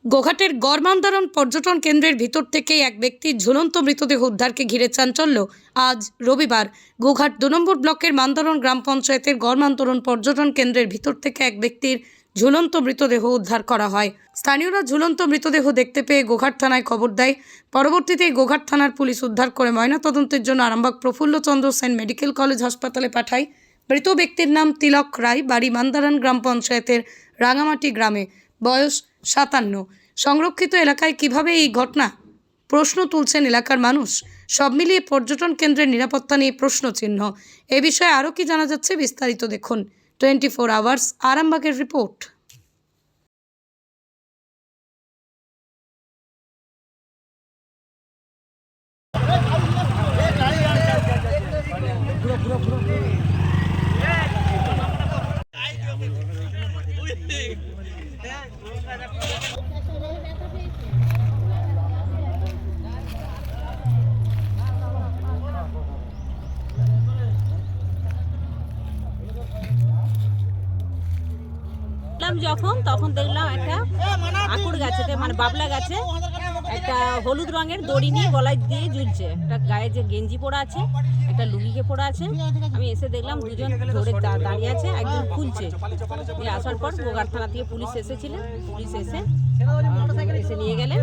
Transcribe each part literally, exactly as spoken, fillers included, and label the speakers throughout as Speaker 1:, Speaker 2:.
Speaker 1: গোঘাটের গড়মান্দারণ পর্যটন কেন্দ্রের ভিতর থেকে এক ব্যক্তির ঝুলন্ত মৃতদেহ উদ্ধারকে ঘিরে চাঞ্চল্য। আজ রবিবার গোঘাট দু নম্বর ব্লকের মান্দারণ গ্রাম পঞ্চায়েতের গড়মান্দারণ পর্যটন কেন্দ্রের ভিতর থেকে এক ব্যক্তির ঝুলন্ত মৃতদেহ উদ্ধার করা হয়। স্থানীয়রা ঝুলন্ত মৃতদেহ দেখতে পেয়ে গোঘাট থানায় খবর দেয়। পরবর্তীতে গোঘাট থানার পুলিশ উদ্ধার করে ময়নাতদন্তের জন্য আরামবাগ প্রফুল্লচন্দ্র সেন মেডিকেল কলেজ হাসপাতালে পাঠায়। মৃত ব্যক্তির নাম তিলক রায়, বাড়ি মান্দারণ গ্রাম পঞ্চায়েতের রাঙামাটি গ্রামে, বয়স সাতান্ন। সংরক্ষিত এলাকায় কিভাবে এই ঘটনা, প্রশ্ন তুলছেন এলাকার মানুষ। সব মিলিয়ে পর্যটন কেন্দ্রের নিরাপত্তা নিয়ে প্রশ্নচিহ্ন। এ বিষয়ে আরও কি জানা যাচ্ছে বিস্তারিত দেখুন টোয়েন্টি ফোর আওয়ার্স আরামবাগের রিপোর্ট।
Speaker 2: যখন তখন দেখলাম একটা আকুর গাছে, মানে বাবলা গাছে একটা হলুদ রঙের দড়ি নিয়ে গলায় দিয়ে ঝুলছে। একটা গায়ে যে গেঞ্জি পরা আছে, একটা লুঙ্গিকে পরা আছে। আমি এসে দেখলাম দুজন ধরে দাঁড়িয়ে আছে, একজন খুলছে। আসার পর গোঘাট থানা থেকে পুলিশ এসেছিলেন, পুলিশ এসে এসে নিয়ে গেলেন।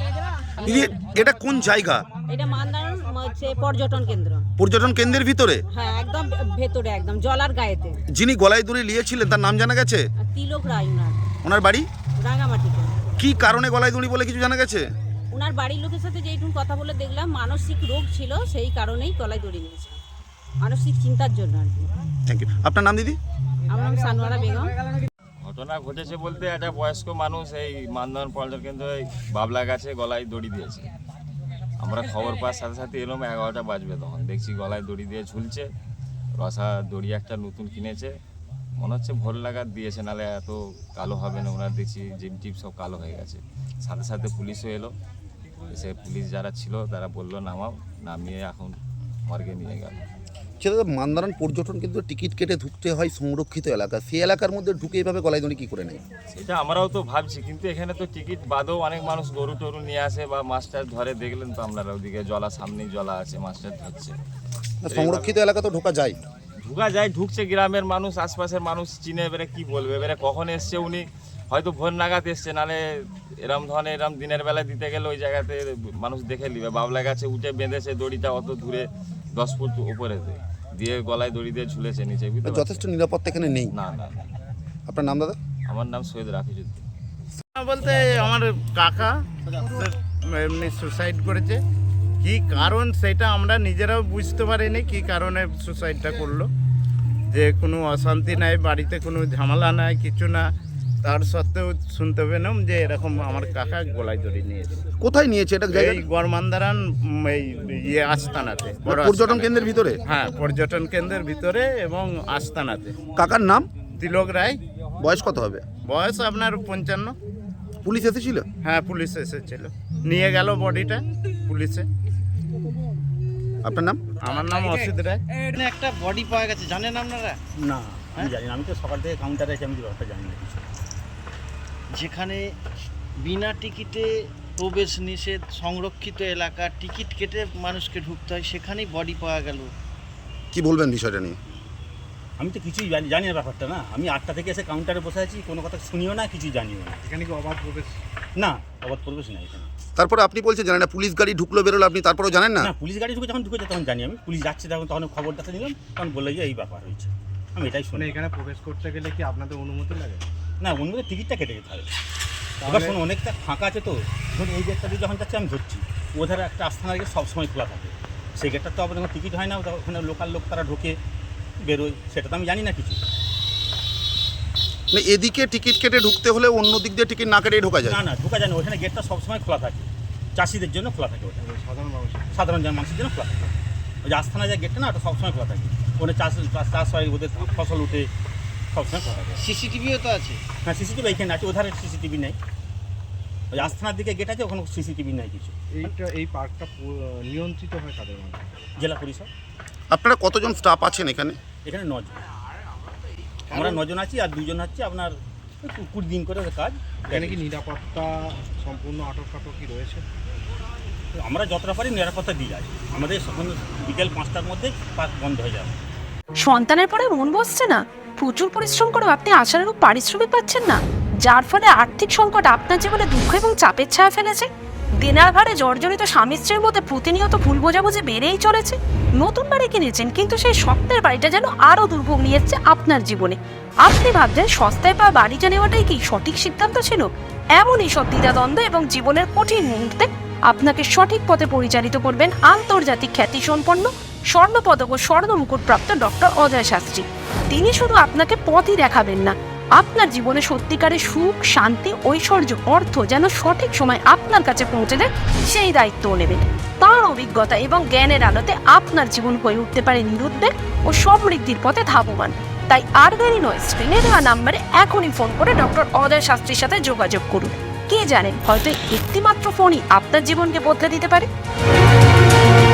Speaker 3: এটা কোন জায়গা?
Speaker 2: এটা মান্দারণ হচ্ছে পর্যটন কেন্দ্র।
Speaker 3: পর্যটন কেন্দ্রের ভিতরে?
Speaker 2: হ্যাঁ, একদম ভেতরে, একদম জলার গায়েতে।
Speaker 3: যিনি গলায় দড়ি নিয়েছিলেন তার নাম জানা গেছে?
Speaker 2: তিলক রায়। ওনার
Speaker 3: ওনার বাড়ি
Speaker 2: রাঙামাটিতে।
Speaker 3: কি কারণে গলায় দড়ি বলে কিছু জানা গেছে?
Speaker 2: ওনার বাড়ির লোকের সাথে যেইটুকু কথা বলে দেখলাম মানসিক রোগ ছিল, সেই কারণেই গলায় দড়ি নিয়েছে, মানসিক চিন্তার জন্য আর কি।
Speaker 3: Thank you. আপনার নাম দিদি?
Speaker 2: আমার নাম সানোয়ারা বেগম।
Speaker 4: ঘটনা ঘটেছে বলতে একটা বয়স্ক মানুষ এই মান্দারণ পর্যটন কেন্দ্রে বাবলা গাছে গলায় দড়ি দিয়েছে। আমরা খবর পাওয়ার সাথে সাথে এলাম, এগারোটা বাজবে তখন দেখছি গলায় দড়ি দিয়ে ঝুলছে। রসা দড়ি একটা নতুন কিনেছে, মনে হচ্ছে ভোর লাগার দিয়েছে, নাহলে এত কালো হবে না। ওনার দেখছি জিম টিপ সব কালো হয়ে গেছে। সাথে সাথে পুলিশও এলো, এসে পুলিশ যারা ছিল তারা বললো নামাও, নামিয়ে এখন মর্গে নিয়ে গেল।
Speaker 3: সেটা মান্দারণ পর্যটন কিন্তু টিকিট কেটে ঢুকতে হয় সংরক্ষিত এলাকা, সেই এলাকার মধ্যে ঢুকে এভাবে গলায় দড়ি কী করে নেয়?
Speaker 4: সেটা আমরাও তো ভাবছি, কিন্তু এখানে তো টিকিট বাদেও অনেক মানুষ গরু টরু নিয়ে আসে বা মাস্টার ধরে। দেখলেন তো আপনারা, ওদিকে জলা, সামনেই জলা আছে, মাস্টার ধরছে।
Speaker 3: সংরক্ষিত এলাকা তো ঢোকা যায়?
Speaker 4: ঢুকা যায়, ঢুকছে। গ্রামের মানুষ, আশপাশের মানুষ চিনে, এবারে কি বলবে। এবারে কখন এসছে উনি, হয়তো ভোর নাগাদ এসছে, নাহলে এরম ধরনের এরম দিনের বেলা দিতে গেলে ওই জায়গাতে মানুষ দেখে নিবে। বাবলা গাছে উঠে বেঁধেছে দড়িটা অত দূরে, দশ ফুট উপরে দিয়ে গলায় দড়ি দিয়ে ঝুলেছে নিচে।
Speaker 3: যথেষ্ট নিরাপত্তা এখানে নেই?
Speaker 4: না না।
Speaker 3: আপনার নাম দাদা?
Speaker 4: আমার নাম সৈয়দ রাফিজুদ্দিন।
Speaker 5: বলতে আমার কাকা এমনি সুসাইড করেছে। কি কারণ সেটা আমরা নিজেরাও বুঝতে পারিনি, কি কারণে সুসাইডটা করলো। যে কোনো অশান্তি নাই, বাড়িতে কোনো ঝামেলা নাই, কিছু না, তার সত্ত্বেও শুনতে পেলাম যে এরকম আমার কাকা গলায় দড়ি নিয়েছে।
Speaker 3: কোথায় নিয়েছে এটা?
Speaker 5: এই গড়মান্দারণ এই ইয়ে আস্তানাতে,
Speaker 3: পর্যটন কেন্দ্রের ভিতরে?
Speaker 5: হ্যাঁ, পর্যটন কেন্দ্রের ভিতরে এবং আস্তানাতে।
Speaker 3: কাকার নাম?
Speaker 5: তিলক রায়।
Speaker 3: বয়স কত হবে?
Speaker 5: বয়স আপনার পঞ্চান্ন।
Speaker 3: পুলিশ এসেছিল?
Speaker 5: হ্যাঁ, পুলিশ এসেছিল, নিয়ে গেল বডিটা পুলিশে।
Speaker 3: আপনার নাম?
Speaker 5: আমার নাম অসিত রায়।
Speaker 6: একটা বডি পাওয়া গেছে, জানেন আপনারা?
Speaker 7: না, আমি জানি না। আমি তো সকাল থেকে কাউন্টারে আছি, আমি ব্যাপারটা জানি না কিছু।
Speaker 6: যেখানে বিনা টিকিটে প্রবেশ নিষেধ, সংরক্ষিত এলাকা, টিকিট কেটে মানুষকে ঢুকতে হয়, সেখানেই বডি পাওয়া গেল।
Speaker 3: কি বলবেন বিষয়টা নিয়ে?
Speaker 7: আমি তো কিছুই জানি জানি না ব্যাপারটা। না, আমি আটটা থেকে এসে কাউন্টারে বসে আছি, কোনো কথা শুনিও না, কিছুই জানিও না।
Speaker 6: এখানে কি অবাধ প্রবেশ?
Speaker 7: না, অবাধ প্রবেশ নাই এখানে।
Speaker 3: তারপরে আপনি বলছেন জানেন না, পুলিশ গাড়ি ঢুকলো বেরোলো, আপনি তারপরেও জানেন না?
Speaker 7: না, পুলিশ গাড়ি ঢুকে যখন ঢুকেছে তখন জানি আমি। পুলিশ যাচ্ছে তখন তখন খবরটা নিলাম, তখন বললো যে এই ব্যাপার হয়েছে। আমি এটাই শুনি।
Speaker 6: এখানে প্রবেশ করতে গেলে কি আপনাদের অনুমতি লাগে?
Speaker 7: না, অন্য টিকিটটা কেটে যেতে হবে। এবার শোনো, অনেকটা ফাঁকা আছে তো, ধরুন এই গেটটা দিয়ে যখন যাচ্ছে আমি ধরছি, ওধারে একটা আস্থানার গেট সবসময় খোলা থাকে। সেই গেটটা তো আপনার টিকিট হয় না, ওখানে লোকাল লোক তারা ঢোকে বেরোয়, সেটা তো আমি জানি না কিছু।
Speaker 3: মানে এদিকে টিকিট কেটে ঢুকতে হলে অন্য দিক দিয়ে টিকিট না কেটে ঢোকা যায়?
Speaker 7: না না, ঢোকা যায় না। ওখানে গেটটা সবসময় খোলা থাকে, চাষিদের জন্য খোলা থাকে। ওটা
Speaker 6: সাধারণ মানুষ,
Speaker 7: সাধারণ মানুষের জন্য খোলা থাকে। ওই যে আস্থানা যে গেটটা না, ওটা সবসময় খোলা থাকে। ওখানে চাষ চাষ হয়, ওদের ফসল উঠে, সবসময় খোলা থাকে।
Speaker 6: সিসিটিভিও তো আছে?
Speaker 7: হ্যাঁ, সিসিটিভি এইখানে আছে, ওধারে সিসিটিভি নেই। ওই আস্থানার দিকে গেট আছে, ওখানে সিসিটিভি নেই কিছু।
Speaker 6: এইটা এই পার্কটা নিয়ন্ত্রিত হয় কাদের মাধ্যমে?
Speaker 7: জেলা পরিষদ।
Speaker 3: আপনারা কতজন স্টাফ আছেন এখানে?
Speaker 7: এখানে নজন, আমরা নজন আছি, আর দুজন হচ্ছে আপনার কু- কুড়ি দিন করে ওদের কাজ।
Speaker 8: এখানে কি নিরাপত্তা সম্পূর্ণ আটক ফাটক কি রয়েছে?
Speaker 7: আমরা যতটা পারি নিরাপত্তা দিয়ে যাই। আমাদের সকাল বিকেল পাঁচটার মধ্যে পার্ক বন্ধ হয়ে যাবে।
Speaker 9: সন্তানের পরে মন বসছে না, প্রচুর পরিশ্রম করেও আপনি আশানুরূপ পারিশ্রমিক পাচ্ছেন না, যার ফলে আর্থিক সংকট আপনার জীবনে দুঃখ এবং চাপের ছায়া ফেলেছে। দেনার ভারে জর্জরিত স্বামী স্ত্রীর মধ্যে প্রতিনিয়ত ভুল বোঝাবুঝি বেড়েই চলেছে। নতুন বাড়ি কিনেছেন, কিন্তু সেই স্বপ্নের বাড়িটা যেন আরও দুর্ভোগ নিয়ে এসছে আপনার জীবনে। আপনি ভাবছেন সস্তায় পাওয়া বাড়িটা নেওয়াটাই কি সঠিক সিদ্ধান্ত ছিল? এমনই সব দ্বিধাদ্বন্দ্ব এবং জীবনের কঠিন মুহূর্তে আপনাকে সঠিক পথে পরিচালিত করবেন আন্তর্জাতিক খ্যাতিসম্পন্ন স্বর্ণপদক ও স্বর্ণ মুকুটপ্রাপ্ত ডক্টর অজয় শাস্ত্রী। তিনি শুধু আপনাকে পথই দেখাবেন না, আপনার জীবনে সত্যিকারের সুখ, শান্তি, ঐশ্বর্য, অর্থ যেন সঠিক সময় আপনার কাছে পৌঁছে দেয় সেই দায়িত্বও নেবেন। তাঁর অভিজ্ঞতা এবং জ্ঞানের আলোতে আপনার জীবন হয়ে উঠতে পারে নিরুদ্বেগ ও সমৃদ্ধির পথে ধাবমান। তাই আর দেরি নয়, স্ক্রিনে দেওয়া নাম্বারে এখনই ফোন করে ডক্টর অজয় শাস্ত্রীর সাথে যোগাযোগ করুন। কে জানেন, হয়তো একটিমাত্র ফোনই আপনার জীবনকে বদলে দিতে পারে।